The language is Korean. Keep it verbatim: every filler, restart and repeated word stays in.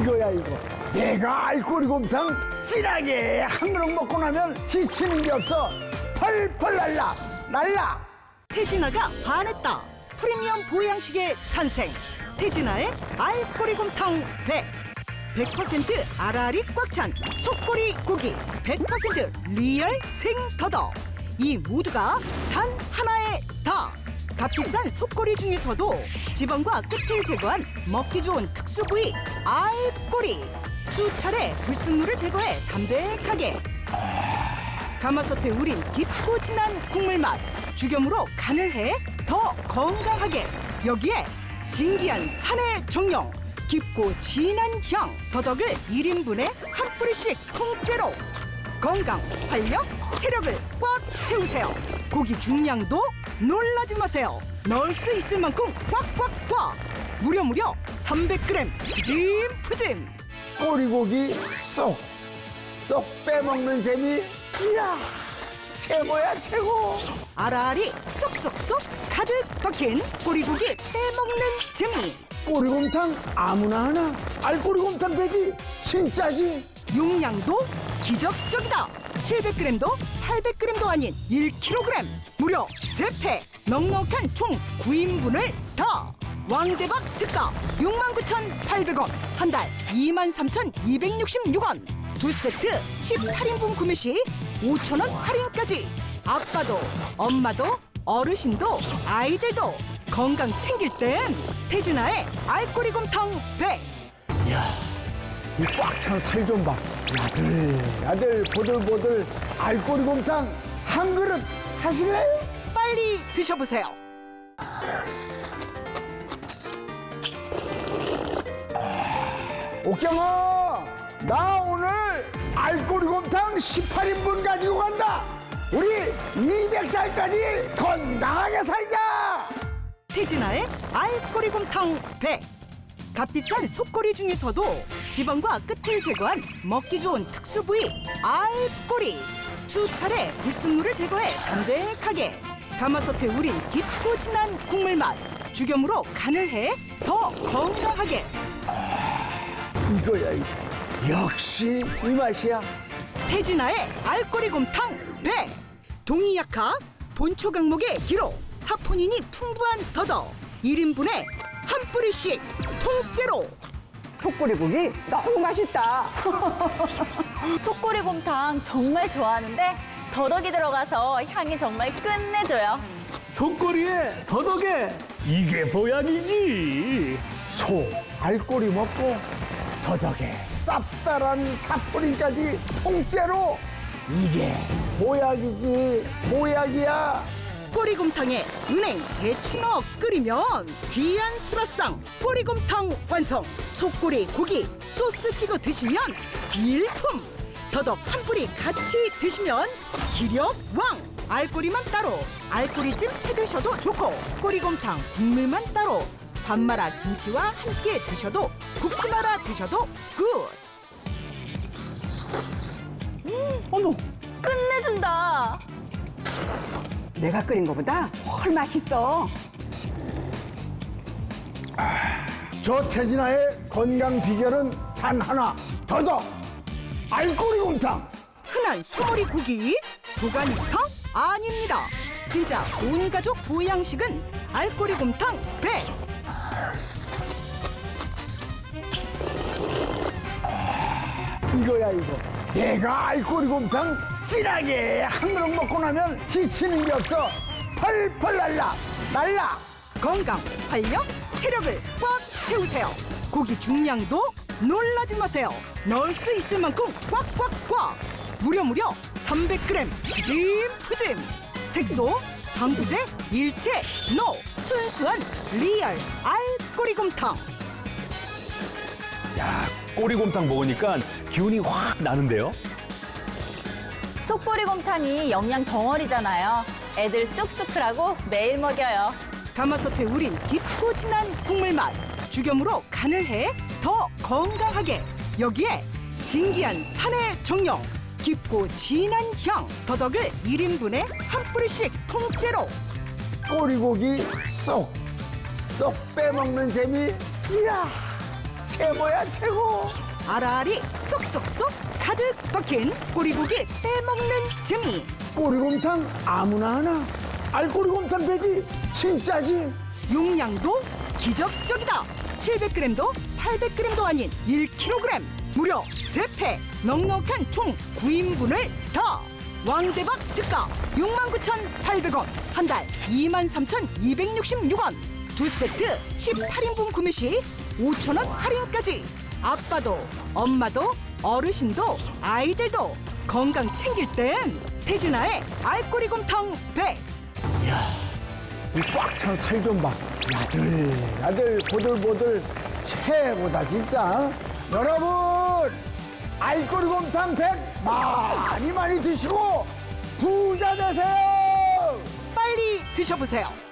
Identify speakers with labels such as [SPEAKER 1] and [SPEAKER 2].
[SPEAKER 1] 이거야 이거. 내가 알꼬리곰탕 진하게 한 그릇 먹고 나면 지치는 게 없어. 펄펄 날라 날라.
[SPEAKER 2] 태진아가 반했다. 프리미엄 보양식의 탄생. 태진아의 알꼬리곰탕 백. 백 퍼센트 알알이 꽉 찬 속꼬리 고기. 백 퍼센트 리얼 생더덕. 이 모두가 단 하나의 다. 값비싼 속꼬리 중에서도 지방과 끝을 제거한 먹기 좋은 특수 부위 알꼬리. 수차례 불순물을 제거해 담백하게. 가마솥에 우린 깊고 진한 국물 맛. 죽염으로 간을 해 더 건강하게. 여기에 진기한 산의 정령, 깊고 진한 향, 더덕을 일 인분에 한 뿌리씩 통째로. 건강, 활력, 체력을 꽉 채우세요. 고기 중량도 놀라지 마세요. 넣을 수 있을 만큼 꽉꽉꽉. 무려 무려 삼백 그램 푸짐푸짐.
[SPEAKER 1] 꼬리고기 쏙 쏙 빼먹는 재미. 이야 최고야 최고.
[SPEAKER 2] 알알이 쏙쏙쏙 가득 박힌 꼬리고기 빼먹는 재미.
[SPEAKER 1] 꼬리곰탕 아무나 하나. 알꼬리곰탕 백이 진짜지.
[SPEAKER 2] 용량도 기적적이다. 칠백 그램도 팔백 그램도 아닌 일 킬로그램. 무려 세 팩 넉넉한 총 구 인분을 다. 왕대박 특가 육만 구천팔백 원. 한 달 이만 삼천이백육십육 원. 두 세트 십팔 인분 구매 시 오천 원 할인까지. 아빠도 엄마도 어르신도 아이들도 건강 챙길 땐 태진아의 알꼬리곰탕 백.
[SPEAKER 1] 이야 이 꽉 찬 살 좀 봐. 야들야들 보들보들 알꼬리곰탕 한 그릇 하실래요?
[SPEAKER 2] 빨리 드셔보세요.
[SPEAKER 1] 옥경아, 나 오늘 알꼬리곰탕 십팔 인분 가지고 간다. 우리 이백 살까지 건강하게 살자.
[SPEAKER 2] 태진아의 알꼬리곰탕 백. 값비싼 속꼬리 중에서도 지방과 끝을 제거한 먹기 좋은 특수 부위 알꼬리. 수차례 불순물을 제거해 담백하게. 가마솥에 우린 깊고 진한 국물 맛. 죽염으로 간을 해 더 건강하게.
[SPEAKER 1] 이거야 이거. 역시 이 맛이야.
[SPEAKER 2] 태진아의 알꼬리곰탕 백. 동이약화 본초 강목의 기로. 사포닌이 풍부한 더덕. 일 인분에 한 뿌리씩 통째로.
[SPEAKER 3] 속꼬리고기 너무 맛있다.
[SPEAKER 4] 속꼬리곰탕 정말 좋아하는데 더덕이 들어가서 향이 정말 끝내줘요.
[SPEAKER 5] 속꼬리에 더덕에 이게 보약이지.
[SPEAKER 1] 소 알꼬리 먹고 더덕에 쌉쌀한 사포린까지 통째로. 이게 보약이지 보약이야.
[SPEAKER 2] 꼬리곰탕에 은행 대추 넣어 끓이면 귀한 수라상 꼬리곰탕 완성. 속꼬리 고기 소스 찍어 드시면 일품. 더덕 한 뿌리 같이 드시면 기력 왕. 알꼬리만 따로 알꼬리찜 해 드셔도 좋고, 꼬리곰탕 국물만 따로 밥 말아 김치와 함께 드셔도, 국수 말아 드셔도 굿.
[SPEAKER 3] 어머,
[SPEAKER 4] 끝내준다.
[SPEAKER 3] 내가 끓인 거보다 훨 맛있어.
[SPEAKER 1] 저 태진아의 건강 비결은 단 하나. 더덕 알꼬리곰탕.
[SPEAKER 2] 흔한 소머리 고기 도가니탕 아닙니다. 진짜 온 가족 보양식은 알꼬리곰탕 백.
[SPEAKER 1] 이거야 이거. 내가 알꼬리곰탕 진하게 한 그릇 먹고 나면 지치는 게 없어. 펄펄 날라 날라.
[SPEAKER 2] 건강, 활력, 체력을 꽉 채우세요. 고기 중량도 놀라지 마세요. 넣을 수 있을 만큼 꽉꽉꽉. 무려 무려 삼백 그램 푸짐푸짐. 색소, 방부제, 일체, 노. 순수한 리얼 알꼬리곰탕.
[SPEAKER 5] 야, 꼬리곰탕 먹으니까 기운이 확 나는데요.
[SPEAKER 4] 속꼬리곰탕이 영양 덩어리잖아요. 애들 쑥쑥 크라고 매일 먹여요.
[SPEAKER 2] 가마솥에 우린 깊고 진한 국물 맛. 죽염으로 간을 해 더 건강하게. 여기에 진기한 산의 정령, 깊고 진한 향, 더덕을 일 인분에 한 뿌리씩 통째로.
[SPEAKER 1] 꼬리고기 쏙 쏙 빼먹는 재미. 이야 최고야 최고.
[SPEAKER 2] 알알이 쏙쏙쏙 가득 박힌 꼬리고기 빼먹는 재미.
[SPEAKER 1] 꼬리곰탕 아무나 하나. 알꼬리곰탕 되지 진짜지.
[SPEAKER 2] 용량도 기적적이다. 칠백 그램도 팔백 그램도 아닌 일 킬로그램. 무려 세 팩 넉넉한 총 구 인분을 더. 왕대박 특가 육만 구천팔백 원. 한 달 이만 삼천이백육십육 원. 두 세트 십팔 인분 구매 시 오천 원 할인까지. 아빠도 엄마도 어르신도 아이들도 건강 챙길 땐 태진아의 알꼬리곰탕 백.
[SPEAKER 1] 이 꽉 찬 살 좀 봐. 야들야들 보들보들 최고다 진짜. 여러분 알꼬리곰탕 백 많이 많이 드시고 부자 되세요.
[SPEAKER 2] 빨리 드셔보세요.